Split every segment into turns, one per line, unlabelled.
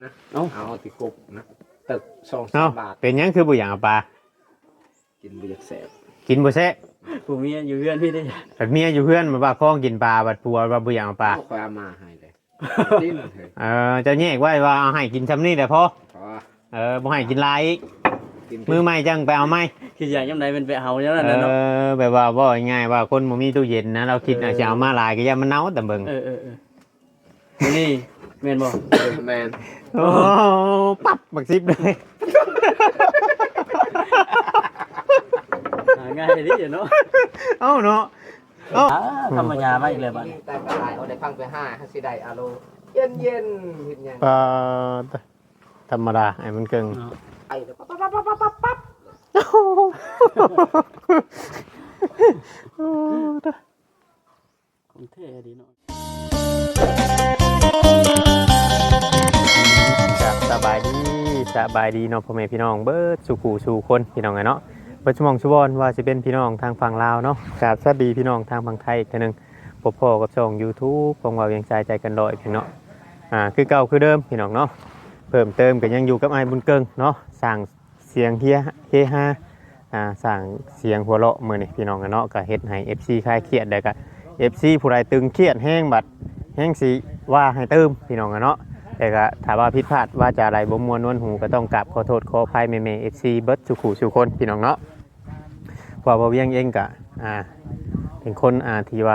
นะเอาติกบนะตึก2-3 บาท
เป็นยังคือบุหยางเอาปลา
กินบุอยากแสบ
กินบุแซ่บ
ผู้เมียอยู่เพื่อนพี่ได้
แบบเมียอยู่เพื่อนมาว่าคล้องกินปลาบัดปัวว่าบุหยางเอาปลา
คอยเอามาให้เลยดิ้นเลย
จะแยกไว้ว่าเอาให้กินซ้ำนี่แต่พอบ่ให้กินลายอีกมือใหม่จังไปเอาไหม
คืออย่างยังไงเป็นไปเอาอย่างนั้นเนาะ
แบบว่าบ่ง่ายว่าคนบ่มีตู้เย็นนะเราคิดอาจจะเอามาลายก็อย่ามันเน่าแต่เบิ่ง
นี่แมนบ่
แมน
โอ้ปั๊บบักซิบเลย
ง่ายดิเนาะ
เอ้าเนาะ
ธรรมดามากเลยบัด
แต่ก็ได้เอาได้ฟังไป5สิได้อารมณ์เย็นเห็นยัง
ธรรมดาไอ้มันเกิง
ไอ้ปั๊บ
ของเท่ดีเนาะ
สบายดีเนาะพ่อแม่พี่น้องเบิดสู่ขู่สู่คนพี่น้องไงเนาะปัจจุบันชุบอนว่าจะเป็นพี่น้องทางฝั่งลาวเนาะกับสวัสดีพี่น้องทางฝั่งไทยอีกทีนึงพบพ่อกับช่อง YouTube ของเรายังใจกันลอยพี่น้องคือเก่าคือเดิมพี่น้องเนาะเพิ่มเติมก็ยังอยู่กับไอ้บุญเกิงเนาะสั่งเสียงเฮฮาสั่งเสียงหัวเราะมื้อนี้พี่น้องกันเนาะก็เฮ็ดให้ FC คลายเครียดได้ก็ FC ผู้ใดตึงเครียดแห้งบัดแห้งสิว่าให้เติมพี่น้องกันเนาะแต่ก็ถ้าว่าผิดพลาดว่าจะอะไรบ่ม่วนนวลหูก็ต้องกราบขอโทษขออภัยแม่ FC เบิดสุขุสุคนพี่น้องเนาะเพราะว่าเวียงเองก็เป็นคนที่ว่า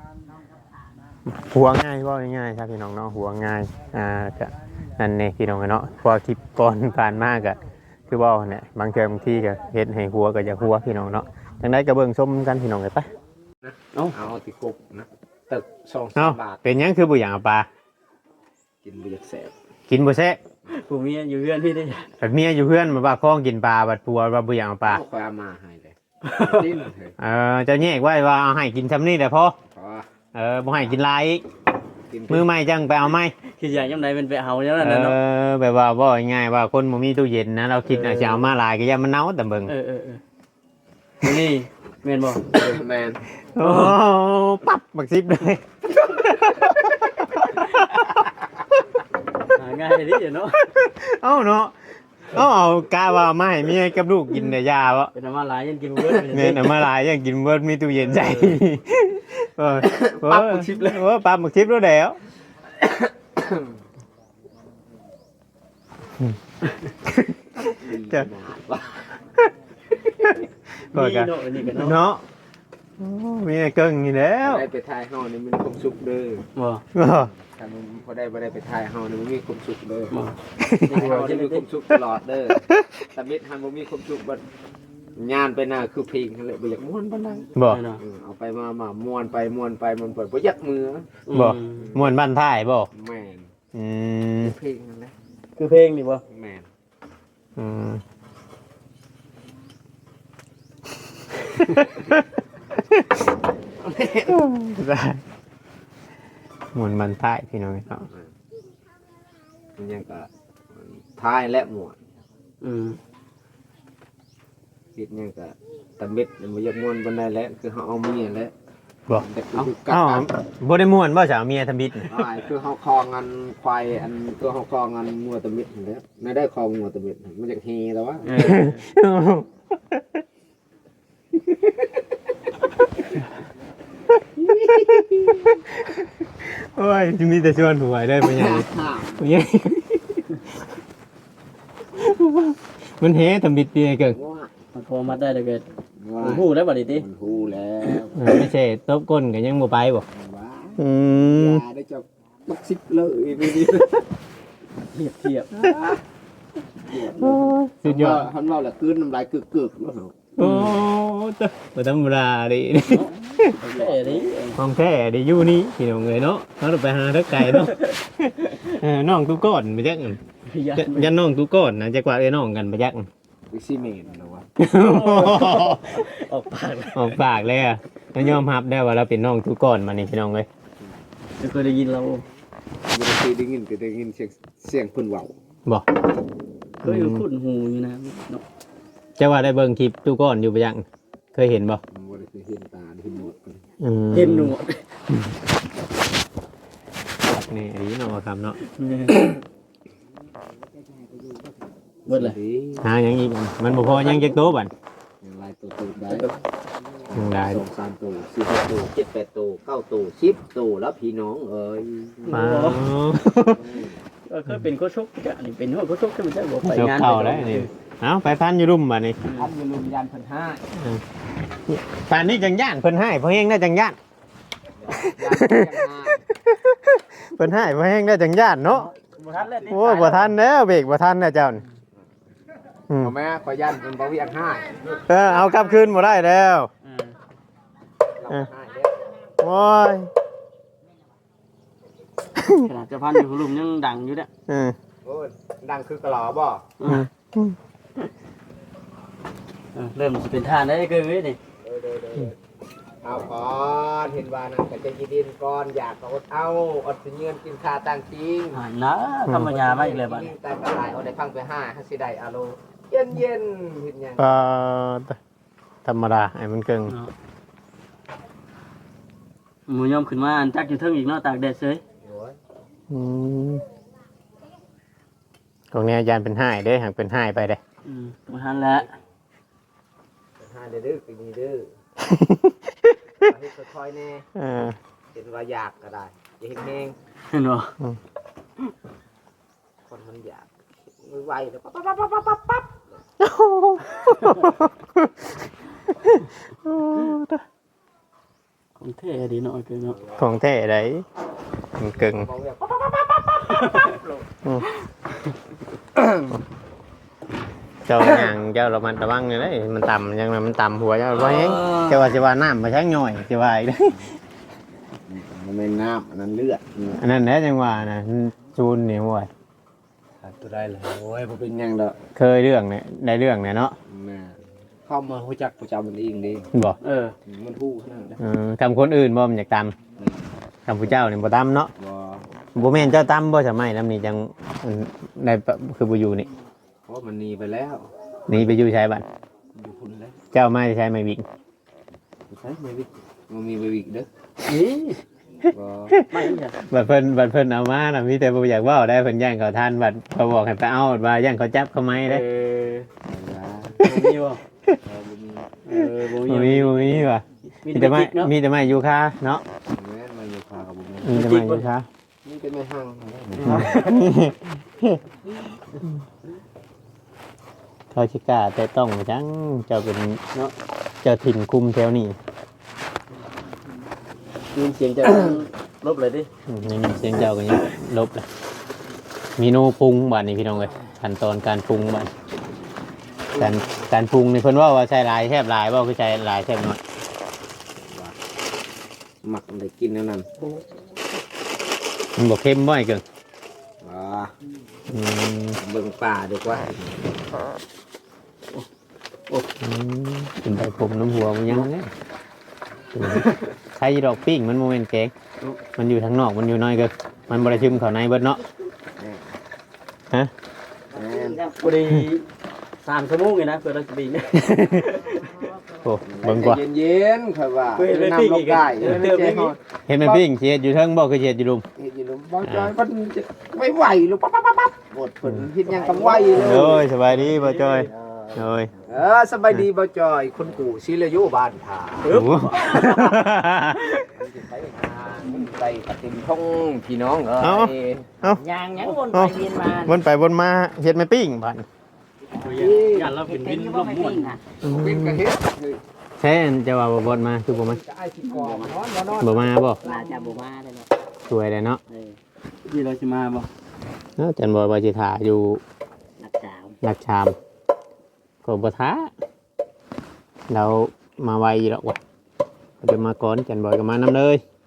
หัวง่ายว่าง่ายๆครับพี่น้องเนาะหัวง่ายก็นั่นนี่พี่น้องเนาะพอคลิปก่อนผ่านมากก็คือว่าเนี่ยบางเทอมที่ก็เฮ็ดให้หัวก็จะหัวพี่น้องเนาะจังได๋ก็เบิ่งชมกันพี่น้องเลยไป
เอาติกบนะตึก2-3 บาท
เป็นยังคือบุหยางเอาปลา
กินบุอยากแสบ
กินบุแซ่บ
ผู้เมียอยู่เพื่อนพี่ได้
แบบเมียอยู่เพื่อนมาว่าคล้องกินปลาบัดปัวว่าบุหยางเอาปลา
คอยเอามาให้เลยดิ้นเลย
จะแยกไว้ว่าเอาให้กินซ้ำนี่แต่พอบ่ให้กินลายอีกมือใหม่จังไปเอาไหม
คืออย่างยังไงเป็นไปเอาอย่างนั้นเนาะ
แบบว่าบ่ง่ายว่าคนบ่มีตู้เย็นนะเราคิดอาจจะเอามาลายก็อย่ามันเน่าแต่เบิ่ง
นี่แมนบ่
แมน
โอ้ปั๊บบักซิบเลย
ง่ายดิเนาะ
เอ้าเนาะเอากะว่ามาให้เมียกับลูกกินแต่ยาบ่
เป็นมาหลายยังกินเบิด
แม่นมาหลายยังกินเบิดมีตู้เย็นใจ
ปั๊บบักซิบเลย
ปั๊บบักซิบแล้วแล้วจะเนาะมีเกิงนี่แล้ว
ได้ไปถ่ายเฮานี่มันคมสุกเด้อถ้ามันพอได้บ่ได้ไปถ่ายเฮานี่มันมีคมสุกเด้อเฮาจะมีคมสุกตลอดเด้อแต่มิตรหันบ่มีคมสุกบัดงานไปหน้าคือเพลงนั่นแหละบ่อยากม่วนปานใด
บ่
เอาไปมาม่วนไปมันเปิดบ่อยากมือ
บ่ม่วนบ้านท้ายบ่
แม่นเพลงนั่นแหละ
คือเพลงนี่บ่
แม่น
หมุนมันท้ายพี่น้องครับ
มันยังก็ท้ายและหมวดคิดยังก็ตะเม็ดมันอยากม่วนปานใดแล้วคือเฮาเอาเมียแล้ว
บ่บ่ได้ม่วนบ่จ้ะเมียทำบิด
คือเฮาคองกันควายอันคือเฮาคองกันงัวตะเม็ดนั่นแหละไม่ได้คองงัวตะเม็ดมันอยากเฮแล้ววะ
โอ้ยจะมีแต่ชวนหวยได้ปะเนี่ยมันเฮทำบิดเปียเกิน
มันโทรมาได้เกิดหูแล้วบ่ดิติ
หูแล้ว
ไม่ใช่ตบก้นกันยังบ่ไปบ่
ได้จับบักซิบเลย
เทียบ
สุดยอด
ฮันว่าแหละคืนน้ำลายกึกๆแล้ว
โอ้จ้ะบ่ธรรมดาดิของแท้ดิอยู่นี่พี่น้องเอ้ยเนาะเฮาไปหาทักไก่เนาะน้องตู้ก้อนไปจักยันน้องตู้ก้อนนะจักว่าเอ้น้องกันไปจัก
ไปซีเมนต์แล้ววะ
อ
อกปากเลยอ่ะยอมรับได้ว่าเราเป็นน้องตู้ก้อนมานี่พี่น้องเอ้ย
เคยได้ยินเรา
บ่เคยได้ยินก็ได้ยินเสียงเพิ่นเว้า
บ่
เคยคุ้นหูอยู่นะเนาะ
จะว่าได้เบิ่งคลิปตู้ก้อนอยู่ไปยังเคยเห็นบ่
บ่ได้เคยเห็นตาเห็นหนวด
เห็นหนวด
นี่อันนี้เนาะครับเนาะ
เบิดเลย
หาหยังอีกอันมันบ่พอยังจักโตบัด
ยังลายตัวได้
ยังได้
2 3ตัว4 ตัว7 8ตัว9ตัว10ตัวแล้วพี่น้องเอ้ย
มา
ก็เคยเป็นโคชกจ้ะนี่เป็นหัวโคชกใช่ไหมจ๊ะบอกไป
เจ้าง
าน
เข้าแล้วนี่เอ้าไปพันอยู่รุ่มบัดนี้
ท่านอย่าลืมยันเพิ่นห้า
ป่านนี้จังย่านเพิ่นให้เพราะแฮงได้จังย่าน
ยันเพิ่นห้า
เพิ่นให้เพราะแฮงได้จังย่านเนาะ
บ่ทันแล้ว
โอ้ยบ่ทันแล้วเบรกบ่ทันแล้วเจ้านี่อืม
เอาแม่ขอยันเพิ่นบ่เวียงห้า
เอากลับคืนบ่ได้แล้ว
เราห้าเด้อ
โอ้ย
ขนาดจะพันอยู่หลุมยังดังอยู่เนี่ย
อืม
โอ้ยดังคือกะหล่อบ่
เริ่มจะเป็นท่าได้เกินเว้ยนี่
เด้อเอาก่อนเห็นว่านั่นก็จะยินดินก่อนอยากก็อดเอาอดสิเงินกินข้าวต่างจริง
นะธรรมยามาอีกเลยบัดนี้
แต่ก็หลายเอาได้ฟังไปห้าฮัสิได้อาโลเย็นเห็นยัง
ธรรมดาไอ้มันเกิง
หมูยอมขึ้นมาอันจักอยู่เทิงอีกเนาะตากแดดเฉย
โอ้ย
ของนี้อาจารย์เป็นห้ายเด้หากเป็นห้ายไปเด้
บ่ทันแล้ว
ห้าเด้อปีนี้เด้อเฮ็ดค่อยๆแน่ เห็นว่าอยากก็ได้อย่าเห็นเอง
เห็นบ่
คนมันอยากมือไวแล้วปั๊บ
ของเท่ดีเนาะเกินเนาะ
ของแท้ไดมันเกิง
บอกแบบ
เจ้าอย่างเจ้าระมัดระวังเลยเด้มันต่ำยังไงมันต่ำหัวเจ้าบ่เฮงเจ้าว่าสิว่าน้ำมาชักย่อยสิว่าอีกเด้
มันเป็นน้ำอันนั้นเลือด
อันนั้นแหละจังว่าน่ะจูนนี่ห่วย
ตัวได้เลยโอ้ยบ่เป็นหยังดอก
เคยเรื่องเนี่ยได้เรื่องเนี่ยเนาะ
แม่เข้ามาฮู้จักประจำมันเองเด้
บ่
มันฮู้ขนาดนั้น
คำคนอื่นบ่มันอยากตำคำผู้เจ้านี่บ่ตำเนาะ
บ่
บ่แม่นเจ้าตำบ่สมัยนำนี่จังได้คือบ่อยู่นี่
เพราะมันหนีไปแล้ว
หนี่ไปอยู่ใช้บัด
อยู่พุ่นแล้ว
เจ้ามาใช้ไม้วิ่ง
ใช่เบบิกมันมีเบบิกเด้อ
นี่
บ่
ไม่จ้ะ
บัดเพิ่นเอามาน่ะมีแต่บ่อยากเว้าได้เพิ่นย่างเขาทานบัดเขาบอกให้ไปเอาว่าย่างเขาจับเขาไม้เด้
บ่มีบ่
บ่มี
บ่มี
บ่มีว่ะ
มี
มี
แต่
แต่ไม้
ไม้เนาะ
มีแต่ไม้ยูคาเนาะ
แม่นมาอยู่พากับบ่มี
มีแต่ไม้ยูคา
นี่เป็นแม่ห้าง
เขาสิกล้าแต่ต้องจังเจ้าเป็นเนาะเจ้าถิ่นคุมแถวนี้
ยินเสียงจะลบเลยดิ
นี่เสียงเจ้าก็ยังลบเลยมีโนปรุงบัดนี้พี่น้องเอ้ยขั้นตอนการปรุงบัดการปรุงนี่เพิ่นว่าใช้หลายแซ่บหลายบ่คือใช้หลายแซ่บน้อย
หมักได้กินแล้วนั่น
มันบ่เค็มบ่ไอ้เกิง
บ่
อืม
เบิ่งป่าดีกว่า
กินไปผมน้ำหัวมันยังไงใช้ดอกปิ้งมันโมเมนต์แกงมันอยู่ทางนอกมันอยู่น้อยเกินมันบริชิมเขาในเบิดเนาะฮะ
บ่ได้3ชั่วโมงเลยนะเพื่อเราจะบิน
โอ้เบิ่งกว่า
เย็นๆค่อยว่า
เฮ้ยเลย
น้ำ
ปิ้ง
ล
อี
ง
ก
ได้
เติมอีก
เห็นไหมปิ้งเชียดอยู่เทิงบอกคือเชียดอยู่ลุม
เฮ็ดอยู่ลุมบ่จอยมันจะไม่ไหวลูกปั๊บหมดเพิ่นเฮ็ดหยังกำไวเลย
โอ้ยสบายดีบ่จอยโอ้ย
สบายดีบ่จอยคนกูศิลายุบ้านผา
โอ้โห
ไปปฏิมท่องพี่น้องเอ้ย
ยางยังวนไปเวียนมา
วนไปวนมาเฮ็ดไหม่ปิ้งผ่าน
อย่าเราเป็นวินลมม่วน
วินกระเฮ็ด
แท้จะว่าบ่บดมาคือบ่มา
จะไอ้ที่กองนอนบ่นอน
บ่มาบ่
น่าจะบ่มาได้เนาะ
สวยเลยเนาะ
นี่เราสิมาบ่
เนาะจันบ่ว่าสิถ่าอยู่
นักสาว
หลักชามก็บ่ท้าเรามาไวอยู่หรอกว่ะเดี๋ยวมาก่อนจันบ่อยก็มานำเลย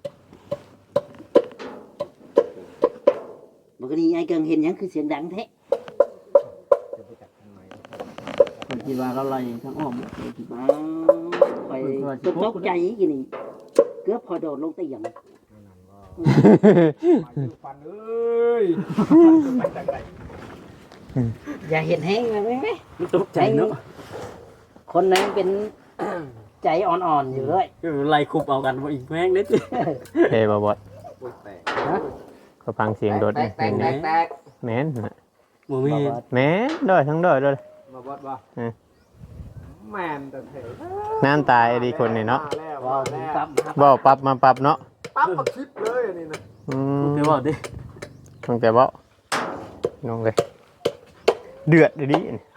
ปกติไอ้เกิงเห็นหยังคือเสียงดังแท้
คนคิดว่าเราไล่ทั้งอ้อม
อ๋อไปตกใจกินนี่เกือบพอโดดลงเตียง
ฟันเอ้ย
อย่าเห็นแห้งเลยไหม
มันตกใจเนาะ
คนนั้นเป็น ใจอ่อนๆอยู่เลย
คือไล่คุบเอากันบ่อีกแม่งเด้ติ
เฮ้บ่บด
โอ้ยแตก
ก็ฟังเสียงโดด
แตก
แม่น
แตกแตก
แม่นน่ะ
บ่มี
แม่นด้วยทั้งด้วยเลย
มาบดบ่แมนแต่เถอะ
น้ำตายดีคนนี่เนาะ
มาแล้ว
ว้าว
มาแล้ว
ปั๊บ
บ่ปรับมาปรับเนาะ
ปั๊บมาคลิปเลยอันนี้นะ
เดี๋ยวบอกดิ
ตั้งแต่บ่น้องเลยเดือดดิ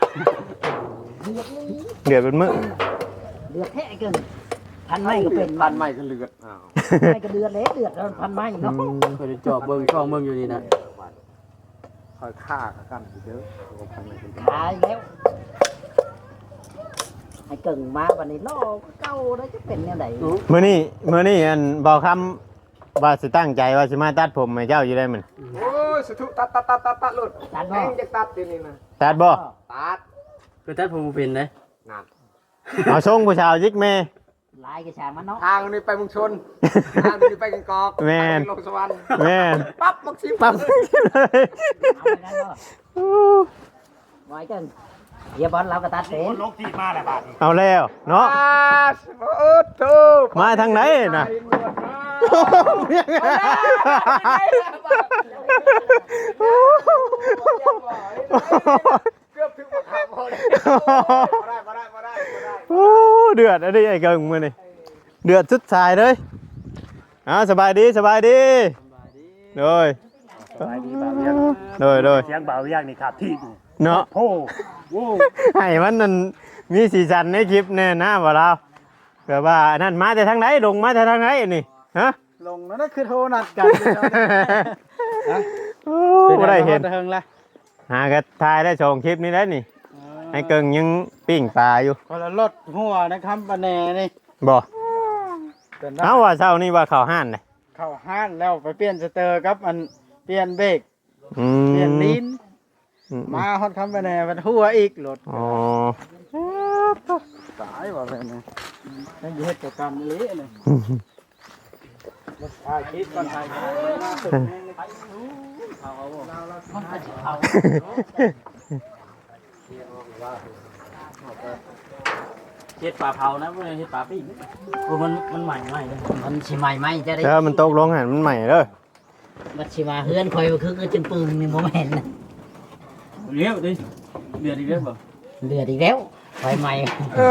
เดือดเป็นมื้อ
เดือดแท้เกินพันไม้ก็เป็น
พันใหม่ก็เลือดอ้าว
ไม่ก็เดือดเลยเดือดแล้วพันไม้เนาะ
เคยจอบเบิ่งช่องเบิ่งอยู่นี่นะ
คอยฆ่ากันเด้อพันใหม่เป็น
ขายแล้วไอ้เก่งมาวันนี้ล่อเก่าแล้วจะเป็นยังไง
มื้อนี้อันบ่คำว่าสิตั้งใจว่าสิมาตัดผมให้เจ้าอยู่ได้มัน
โอ้ยสุดตัดหลุด
ตัด
แม่
บ่
งจะตัดทีนี้นะ
ตัดบ่
ตัด
คือตัดผมบ่เป็นเด้
นั่น
เอาส่งผู้ชาวยิกแม่
ลายกระชางมันเนาะ
ทางนี้ไปเมุงชนทางนี้ไปกังกอก
แม่น
ทางนี้ลงสวรรค์
แม่น
ปั๊บมาคลิป
ปั๊บเลย
เอาไปนั่นเนาะไว้เก่งเฮียบอลเราก็ตัดเป็น
เอาแล้วเนาะ
โอ้โห
มาทางไหนน่ะ
เกือบถึงหมดทางพอดีมาได้
โอ้เดือดอันนี้ไอ้เกิงมื้อนี่เดือดสุดสายเลยสบายดีโดยโดย
เสียงเบาอย่างนี่ครับที่
เนาะ
โอ้โห
ให้มันนั่นมีสีสันในคลิปแน่นะบ่เราเกิดว่าอันนั่นมาแต่ทางไหนลงมาแต่ทางไหนนี่ฮะ
ลงนั่นคือโทรนัดกัน
โอ้บ่ได้เห็น
เฮิงละ
หากระทายได้ชมคลิปนี้แล้วนี่ไอ้เกิงยังปิ้งปลาอยู่
คนละรถหัวนะครับปะแหน่นี่
บ่
เป็น
เอาว่าเช้านี้ว่าเข้าห้านเลย
เข้าห้านแล้วไปเปลี่ยนสเตอร์ครับอันเปลี่ยนเบรก
อื
เปลี่ยนลิ้น
อืม
มาฮอดคำปะแหน่มันหัวอีกรถ
อ๋อ
ตายว่าแบบนี้ยังอยู่เฮ็ดกิจกรรมนี้เลยรถถ่ายคลิปก่อนถ่ายคลิปมาสุดแม่งไปเอาเฮ็ดปลาเผานะพวกนี้เฮ็ดปลาปิ้งโอ้มันใหม่เลย
มันชิใหม่ไหมจะได้
เออมันตกลงหันมันใหม่เด้อ
มันชิมาเฮือนคอยมาคือจนปืนนี่โมเห็น
เลี้ยวดิเดือดอีกแล้วบ่
เดือดอีกแล้วไฟใหม่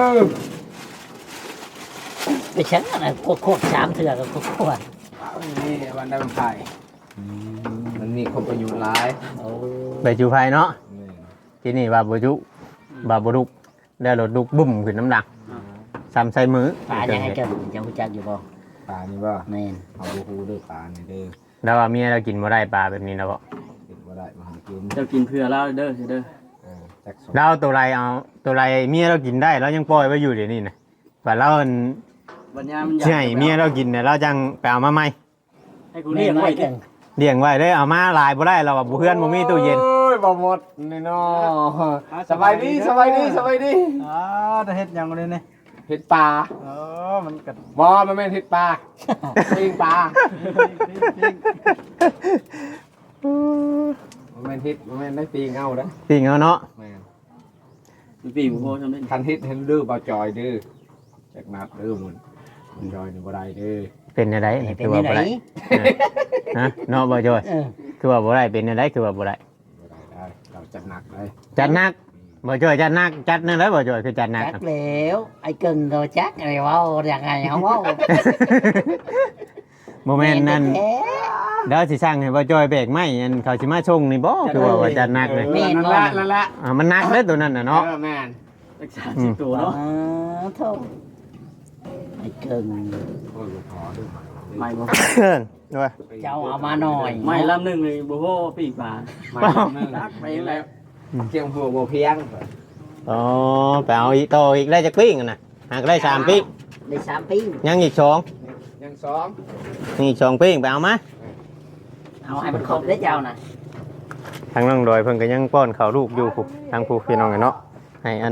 ไปชั้นอะไรโคตรสามเถื่อกับโคตร
นี่วันได้มันไผ่มันมีคนประยุทธ์ร้าย
ไปจูไฟเนาะที่นี่ว่าบ่จุบาบ่ลุกได้รถลุกบุ้มขึ้นน้ำหนักซ้ำใส่มือ
ป่ายังไงเกิดจะรู้จักอยู่บ่
ปลานี่บ่
แม่น
เอาหูเด้อปลานี่เด้อ
แล้วว่าเมียเรากินบ่ได้ปลาแบบนี้นะบ่
กินบ่ได้มาหากิน
เจ้ากินเพื่อแล้วเด้อเด้อ
จักสอง
เราตัวไรเอาตัวไรเมียเรากินได้เรายังปล่อยไว้อยู่เดี๋ยวนี้นะว่าเรา
บัญญามัน
ใช่เมียเรากินเนี่ยเราจังไปเอามาใหม่
ให้กูเรียกไว้เด้อ
เลี้ยงไว้ได้เอามาหลายบ่ได้เราว่าบ่เพื่อนบ่มีตู้เย็น
โอ้ยบ่หมดนี่เนาะสบายดีสบายดี
จะเฮ็ดยังเลยนี่
เห็ดปลา
มันกัด
บ่มันแม่นเห็ดปลาปิ้งปลามันแม่นเห็ดมันแม่นได้ปิ้งเอาเด้อ
จริงเอาเนาะ
แม่น
มันปีบ่พอทำได้
คันเฮ็ดเห็นดื้อบ่จอยดื้อจักนัดดื้อมันจอยนี่บ่ได้เด้อ
เป็นอะไร
เป็
คื
น
อว่า
ยัง
บ่
ไง
ได้ฮะเนาะบ่จอย
เออ
คือว่าบ่ได้เป็นอะไรคือว่าบ่ได้
บ่ได้เราจัดหนักเลย
จัดหนักบ่จอยจัดหนักจัดนั่นแหละบ่จอยคือจัดหนัก
จักแล้วไอ้เกิงก็จักอะไรวะยังไงเขาว่า
บ่แม่นนั่น
แท้
เดี๋ยวสิสร้างให้บ่จอยแบกไม้อันเขาสิมาชงนี่บ่คือว่าจัดหนักเลย
นั่นแหละ
มันหนักเด้อตัวนั้นน่ะเนาะ
แม่น
รักษา10ตัวเนาะ
โธ่ไอ้เกิง
โอ้ยบ่พอดื้อ
ไม่บ่
ด้วย
เจ้าเอามาหน่อย
ไม่ลำนึงเลยบ่พอปีกปลา
ไม่นึง
รักไปแล้ว
เจียงหัวบ่เพียง
อ๋อไปเอาอีกโตอีกได้จักปิ้งน่ะหากได้3ปิ้ง
ได้3ปิ้ง
ยังอีก2
ยังซ้อม
นี่อีก2ปิ้งไปเอามา
เอาให้มันครบได้เจ้าน่ะ
ทางน้องดอยเพิ่นก็ยังป้อนข้าวลูกอยู่พุทางผู้พี่น้องเนาะให้อัน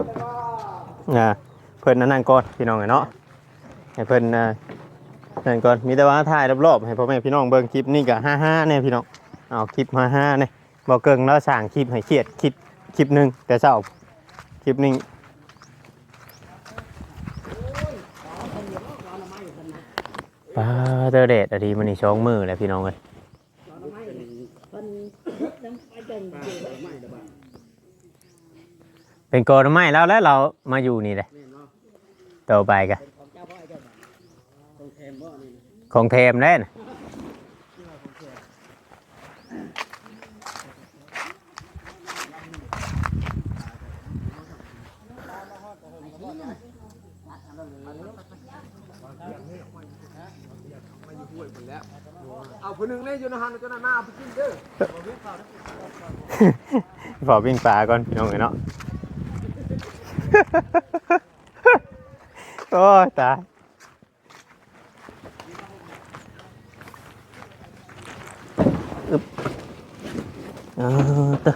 เพิ่นนั่นก่อนพี่น้องเนาะให้เพิ่นนั่นก่อนมีแต่ว่าถ่ายรอบๆให้พ่อแม่พี่น้องเบิ่งคลิปนี้ก็55แน่พี่น้องเอาคลิป55แน่บ่เกิงแล้วสร้างคลิปให้เครียดคลิปนึงแต่เช้าคลิปนี้ปลาเตอร์เดดอะดีมันนี่2มื้อแล้วพี่น้องเอ้ยเป็นโกนไม้แล้วเรามาอยู่นี่เลยต่อไปกันของเทมได้นะ
เอาผู้หนึงเลยอยู่ในหันจนหน้าเอาไปกินเด้อ
พอวิ่งปลาก่อนพี่น้องเนาะ โอ้ยตายอึบตะ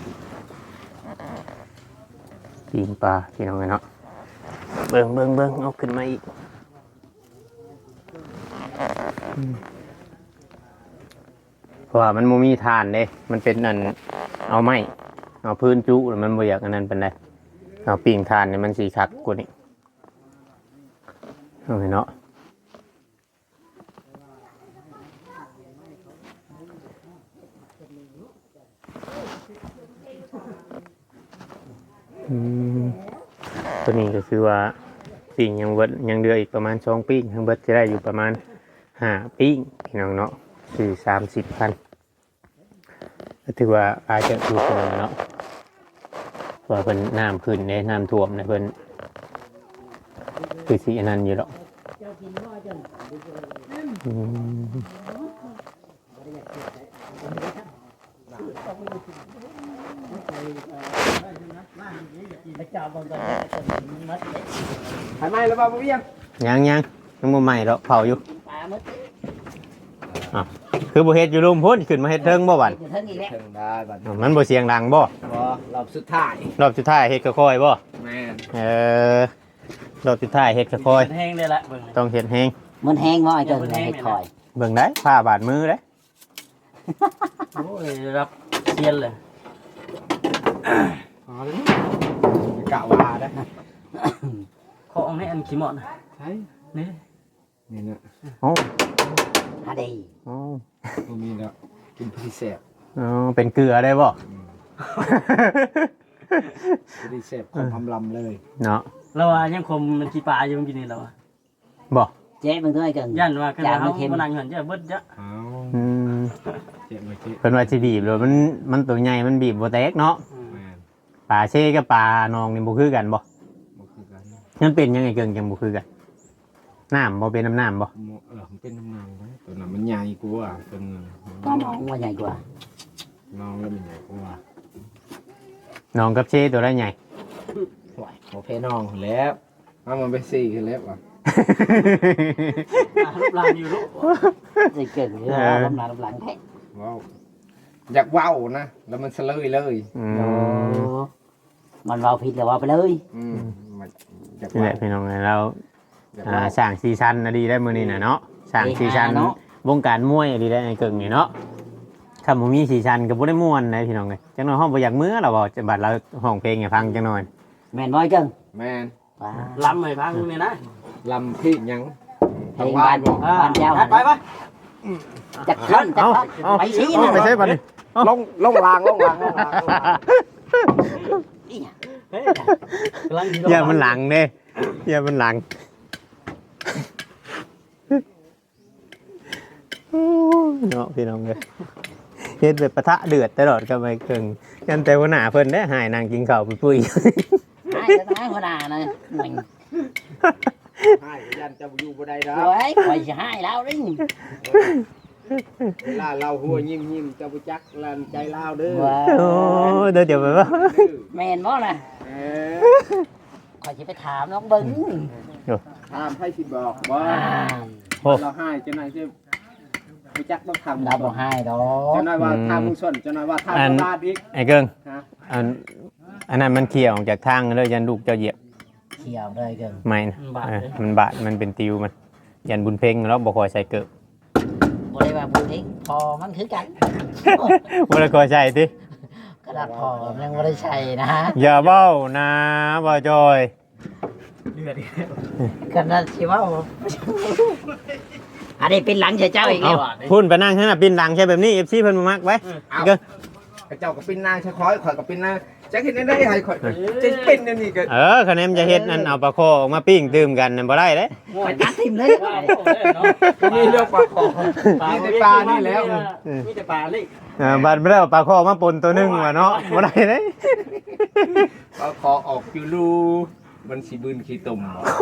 ปีนปลาพี่น้องเนาะเบิ่งเอาขึ้นมาอีกเพราะว่ามันบ่มีทานเด้มันเป็นนั่นเอาไม้เอาพื้นจุแล้วมันบ่อยากอันนั้นเป็นไรเอาปิ่งทานเนี่ยมันสีคักกว่านี้เอาเนาะตัวนี้ก็คือว่าปิ่งยังเบิดยังเดืออีกประมาณ2ปิ่งทั้งเบิดจะได้อยู่ประมาณ5ปิ่งพี่น้องเนาะคือ30,000ก็ถือว่าอาจจะถูกเนาะว่าเป็นน้ำขึ้นในน้ำท่วมนะเพิ่นคือสีนั้นอยู่หรอก
หายไหมแล้วบ่าวบ่เวียง
ยังบ่ใหม่หรอกเผาอยู่คือบ่เฮ็ดอยู่รุมพุ่นขึ้นมาเฮ็ดเทิงบ่บัด
เทิงได้บัดนี้
มันบ่เสียงดังบ่
บ่รอบสุดท้าย
รอบสุดท้ายเฮ็ดค่อยๆบ่
แม่น
รอบสุดท้ายเฮ็ดค่อย
แห้งได้ละเบิ่ง
ๆต้องเฮ็ดแฮง
มันแห้งบ่ไอ้เจ้าเฮ็ดคอย
เบิ่งได้ผ้าบาดมือเด้
โอ้ยรับเซียนเลย
อ๋อเลยกะว่าได้
ของให้อันขี้หมอน
ใช่
นี่
นี่นะ
โอ้
หาดี
โอ้
บ่มีแล้วกินพี่แซ่บ
เป็นเกลือได้บ่
พี่แซ่บของพำลำเลย
เนาะ
แล้วว่ายังคมมันขี้ปลาอยู่เมื่อกี้นี่แล้ว
บ่
เจ๊มึงด้วยกัน
ยันว่าขนาดเขาบ่นั่งหันจะเบิดจะ
อ้าว
อืม
เจ็บเลยเจ็บ
เพิ่นว่าสิบีบแล้วมันตัวใหญ่มันบีบบ่แตกเนาะ
แม่น
ปลาเช่กับปลานองนี่บ่คือกันบ่
บ่คือกัน
มันเป็นยังไงเกิงจังบ่คือกันน้ำบ่เป็นน้ำบ่
มันเป็นน้ำนางไว้ตัวนั้นมันใหญ่กว่าตัวนึง
ก็น้องว่าใหญ่กว่า
น้องแล้วมันใหญ่กว่า
น้องกับเช่ตัวละใหญ่
ไหวโอเคน้องแล้วเอามันไปสี่ขึ้นแล้วว่ะ
รูปร่างอยู่ลูก
สิเก่งเรื่องลำหน้าลำหลังแท้
ว้าวอยากว้าวนะแล้วมันเสลยเลย
อืม
โอ้มันเว้าผิดแล้วว่าไปเลย
มันอยาก
นี่แห
ว้า
ละ
ว
พี่น้องเรา
อยากว้าว
สร้างซีซันน่ะดีได้มื้อนี้น่ะเนาะสร้างซีซันวงการมวยดีได้ไอ้เกิงนี่เนาะถ้าบ่มีซีซันก็บ่ได้ม่วนนะพี่น้องเอ้ยจังน้อยห้องบ่อยากมื้อเราบ่จะบัดเราห้องเพลงให้ฟังจังหน่อย
แม่นบ่ไอ้เกิง
แม่น
ว้า
ล้ำเลยพังนี่นะ
ลำพี่ยัง
เพลงบ้านบ้านเจ้า
ไปไป
จักขั้นจักไปชี้นะ
ไปใช่บัดนี้
ลงลาง
นี่
เฮ้ยกำลัง
อย่ามันหลังเด้อย่ามันหลังเนาะพี่น้องเอ้ยเฮ็ดแบบปะทะเดือดตลอดกับไอ้เกิงยันแต่หัวหน้าเพิ่นได้หายนางกินข้าวปุ้ย
ให้แล้วนะหัวหน้านะมึง
ให้ยันจะอยู่บ่ได้ดอก
โอ้ยคอยสิให้แล้วนี่
เวลาเราหัวยิ้มจะบ่จักลันใจลาวเด้อ
ว้า
โอ้เดี๋ยวไปว่า
แม่นบ่น่ะ
เอ
คอยสิไปถามน้องเบิ้ง
ถามให้สิบอกว่า
โอ้
เราให้เจ้านายจะบ่จักต้องทำ
เราบ่ให้ดอก
เจ้านายว่าทางมุงส่วนเจ้านายว่าทางลาดอีก
ไอ้เกิง
ฮะ
อันนั้นมันเขี่ยออกจากทางเลยยันลูกเจ้าเหยียบ
เขียวเลยเกิน
ไม่นะมันบาดมันเป็นติวมันยันบุญเพ่งแล้วบ่คอยใส่เกิบ
บ่ได้ว่าบุญทิ้งพอมันคือกัน
บ่ได้คอยใส่ติ
กระดาษพอยังบ่ได้ใช้นะ
อย่าเบ้านะบ่จอย
เดือด
กระดาษสิว่าอันนี้เป็นหลังเจ้าอีกแล้ว
พุ่นไปนั่งข้างหน้าปินดังใช่แบบนี้ FC เพิ่นบ่มักไว้เกิง
เจ้าก็เป็นนางชะคอยข่อยก็เป็นนางจักเฮ็ดได้ให้ข่อยจะเป็นอันนี้ก็
คะแนนจะเฮ็ดนั่นเอาปลาคอออกมาปิ้งดื่มกันนั่นบ่ได้เด้
ไปตัดทิมเลย
มีเรื่องปลาคอมีแต่ปลานี่แล้ว
มีแต่ปลาเลย
บัดไม่ได้เอาปลาคอมาปนตัวหนึงว่ะเนาะบ่ได้เด้
ปลาคอออกอยู่รูมันสิบืนขี้ตุ่ม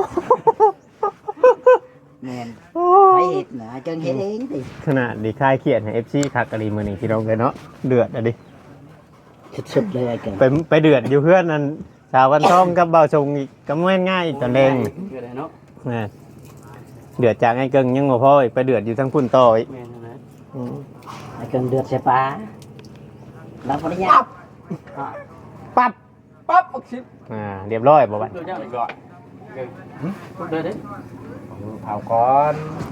แม่นไปเห็ดนะจังเห็ดเองดิ
ขนาดดีคลายเครียดให้ FC คักกะลีมื้อนี้พี่น้องเอ้ยเนาะเดือดอ่ะดิ
สุดๆเลยไอ้เกิน
ไปเดือดอยู่เพื่อนนั่นสาววันทองกับเบาชงอีกก็แม่นง่ายอีกตอนแดง
เกิดอะไรเนาะ
แม่เดือดจากไอ้เกิงยังบ่พออีกไปเดือดอยู่ทั้งพุ่นต่ออีก
แม่นนะ
อืม
ไอ้เกินเดือดใส่ปลาเราปริญญา
ปั๊บ
ปั๊บบักชิบ
เรียบร้อยบ่บัด
เจ้าเลยก่อนเดินดิ
เผาก่อน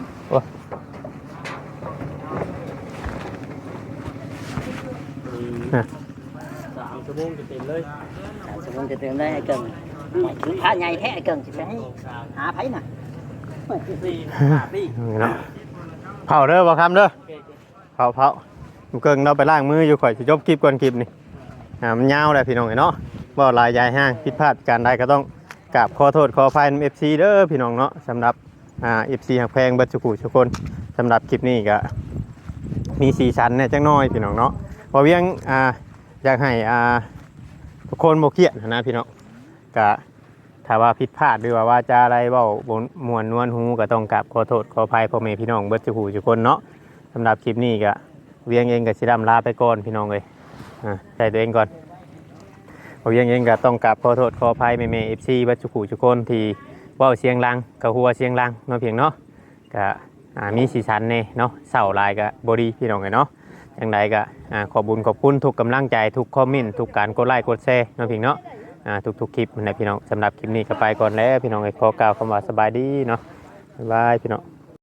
3 ชั่วโมงจะเต็มเลย
สมมติจะเติมได้ไอ้เกินไม่ถึงพระใหญ่แท้ไอ้เกินจะไปให้หาไผน่ะ
4 5ปี
นี่เนาะเผาเด้อบ่คำเด้อเผาลูกเกิงเราไปล้างมืออยู่ข่อยสิจบคลิปก่อนคลิปนี่มันยาวแหละพี่น้องเนาะบ่หลายยายห้างผิดพลาดการใดก็ต้องกราบขอโทษขออภัย FC เด้อพี่น้องเนาะสำหรับFC หักแพงเบิดสุขุทุกคนสำหรับคลิปนี้ก็มีสีสันเนี่ยจังน้อยพี่น้องเนาะบ่เวียงอยากให้ทุกคนบ่เครียดนะพี่น้องก็ถ้าว่าผิดพลาดหรือว่าจาอะไรเว้าบ่ม่วนนวลหูก็ต้องกราบขอโทษขออภัยพ่อแม่พี่น้องเบิดสุขุทุกคนเนาะสำหรับคลิปนี้ก็เวียงเองก็สิร่ำลาไปก่อนพี่น้องเอ้ยใจตัวเองก่อนบ่เวียงเองก็ต้องกราบขอโทษขออภัยแม่ๆ FC เบิดสุขุทุกคนที่เว้าเสียงดังก็หัวเสียงดังเนาะเพียงเนาะก็มีสีสันแน่เนาะเศร้าหลายก็บ่ดีพี่น้องเอ้ยเนาะจังใดก็ขอบคุณทุกกำลังใจทุกคอมเมนต์ทุกการกดไลค์กดแชร์เนาะพี่เนาะทุกคลิปนะพี่น้องสำหรับคลิปนี้ก็ไปก่อนแล้วพี่น้องขอกล่าวคำว่าสบายดีเนาะบ๊ายบายพี่น้อง